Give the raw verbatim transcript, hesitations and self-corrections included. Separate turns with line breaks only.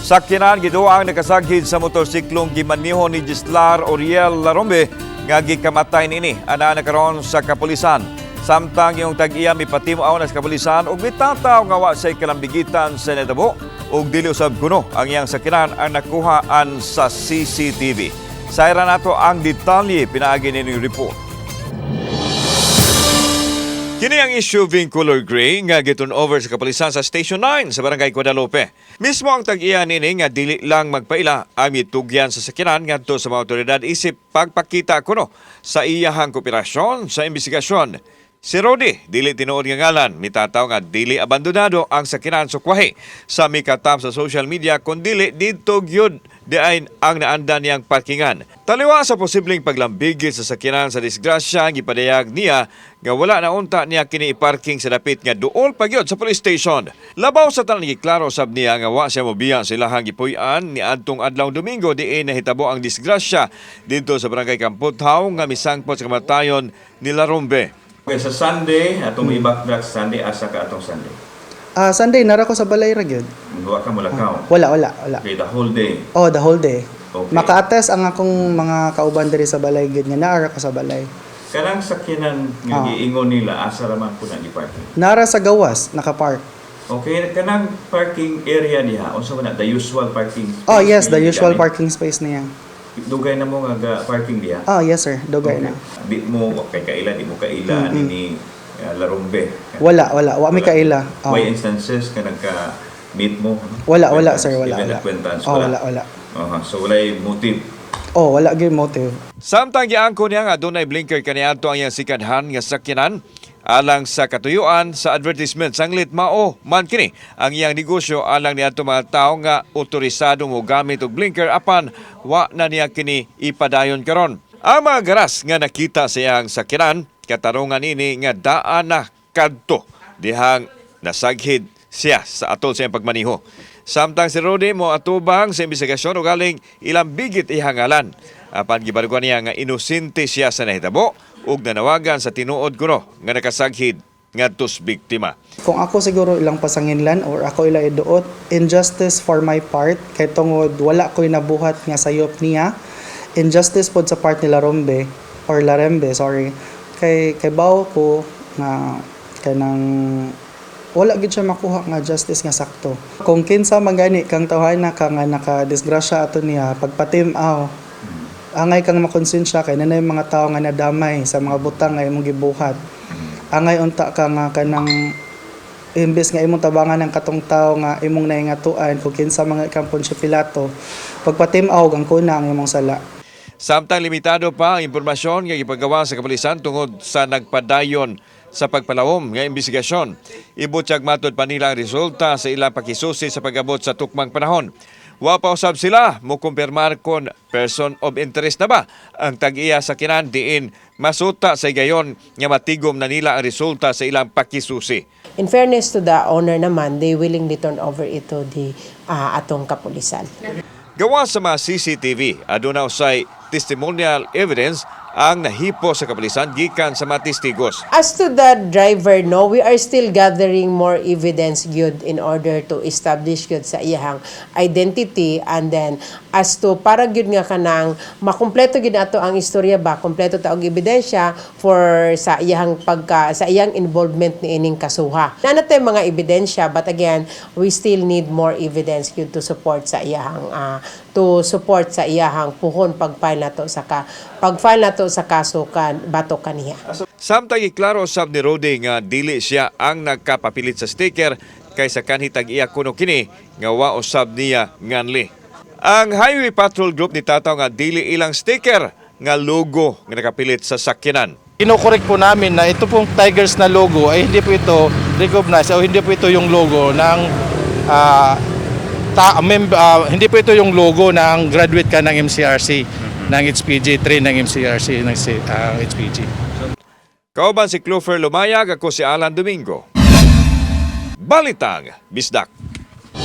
Sakyanan giduang nakasaghid sa motorsiklong gimaneho ni Gislar Oriel Larombe nga gikamatay nini ana na karon sa kapulisan. Samtang yung tag-iya mipatimaw na sa kapulisan ug mitataw nga wa say kalambigitan sa netabo ug dili usab kuno ang iyang sakyanan ang nakuhaan sa C C T V. Sayra nato ang detalye pinaagi nining report. Kini ang S U V color gray nga giturn over sa kapulisan sa Station nine sa Barangay Guadalupe. Mismo ang tag-iya nini nga dili lang magpaila ang mitugyan sa sakyanan ngadto sa mga otoridad isip pagpakita kuno sa iyahang kooperasyon sa investigasyon. Si Rodi, dili tinuod nga ngalan, mitataw nga dili abandonado ang sakyanan sukwahi sa mikatap sa social media kung dili dito gyud diain ang naandan niyang parkingan. Taliwa sa posibleng paglambigit sa sakyanan sa disgrasya, gipadayag niya nga wala na unta niya kini iparking sa dapit nga duol pagyod sa police station. Labaw sa tanan giklaro sab niya nga wa siya mobiya sa ilahang gipuy-an ni adtong adlaw Domingo diin nahitabo ang disgrasya dito sa Barangay Kamputhaw nga misangpot sa kamatayon ni Larombe.
Okay, sa Sunday, atong hmm. i-backtrack sa Sunday, asa ka atong Sunday?
Ah, uh, Sunday, nara ko sa balay ra gyud.
Duwa ka mulakaw?
Uh, wala, wala, wala.
Okay, the whole day?
Oh, the whole day.
Okay.
Maka-attest ang akong mga kauban diri sa balay gyud nga naara ko sa balay.
Kanang sakyanan nga uh. giingon nila, asa raman po na i-parking?
Nara sa gawas, naka-park.
Okay, kanang parking area niya, unsa man na, the usual parking space?
Oh, yes, the usual parking space niya.
Dugay na mo nga parking diha?
Oh, yes sir, dugay
okay.
na.
Di mo kay kaila, di mo kaila mm-hmm. ni uh, Larombe.
Wala, wala, wa mi kaila.
Oh. May instances ka nagka-meet mo?
Wala, wala sir, wala.
Even
wala.
acquaintance?
Oh, wala, wala.
Uh-huh. So wala motive?
Oh, wala gyud motive.
Samtang giangko niya nga dunay blinker kaniadto ang iyang sikadhan nga sakyanan alang sa katuyuan sa advertisement sanglit mao man kini ang iyang negosyo alang niadto mga tawo nga otorisado mo gamit og blinker apan wa na niya kini ipadayon karon. Ang mga garas nga nakita sa iyang sakyanan katarungan ini nga daan na kadto dihang nasaghid siya sa atol sa iyang pagmaniho. Samtang si Rodi mo atubang sa investigasyon o galing ilang bigit ihangalan. Apan gibarguan niya nga inosente siya sa nahitabo ug nanawagan sa tinuod kuno nga nakasaghid ngadtos biktima.
Kung ako siguro ilang pasanginlan or ako ila iduot, injustice for my part kay tungod wala ko'y nabuhat nga sayop niya. Injustice pod sa part ni Larombe or Larembe, sorry. Kay kay bawo ko nga kanang wala gid siya makuha nga justice nga sakto. Kung kinsa magani kang tawhana ka nga naka-disgrasya ato niya pagpatim-aw, angay kang makonsensya kay nanay mga tao nga nadamay sa mga butang nga imong gibuhat. Angay unta ka nga kanang imbes nga imong tabangan ng katong tao nga imong naingatuan kung kinsa mga kang Poncio Pilato, pagpatim-aw ang kuna ang imong sala.
Samtang limitado pa ang impormasyon nga gipagawa sa kapulisan tungod sa nagpadayon sa pagpalawom nga investigasyon. Ibutyag matod pa nila ang resulta sa ilang pakisusi sa pag-abot sa tukmang panahon. Wa pa usab sila mo kumpirmar kon person of interest na ba ang tag-iya sa kinan diin masuta sa gayon nga matigom na nila ang resulta sa ilang pakisusi.
In fairness to the owner naman, they willingly turn over ito di uh, atong kapulisan.
Gawa sa mga C C T V, aduna usay testimonial evidence ang nahipo sa kapulisan gikan sa mga testigos.
As to the driver, no, we are still gathering more evidence gyud in order to establish gyud sa iyang identity, and then as to para gyud nga kanang makumpleto gyud nato ang istorya ba, kumpleto ta og ebidensya for sa iyang pagka sa iyang involvement ni ining kasuha. Na natay mga ebidensya, but again, we still need more evidence gyud to support sa iyang uh, to support sa iyang puhon pag-file nato sa ka pag-file nato sa kaso kan bato kaniya.
Samtang iklaro sab ni Rodi nga dili siya ang nagkapapilit sa sticker kaysa kanhi tag-iya kuno kini nga wa usab niya nganli. Ang Highway Patrol Group ni tataw nga dili ilang sticker nga logo nga nakapilit sa sakyanan.
Kino-correct po namin na ito pong Tigers na logo ay hindi po ito recognized o hindi po ito yung logo ng uh, ta, mem, uh, hindi po ito yung logo ng graduate ka ng M C R C. Ng H P G, train ng M C R C, ng uh, H P G.
Kauban si Clover Lumayag, ako si Alan Domingo. Balitang Bisdak.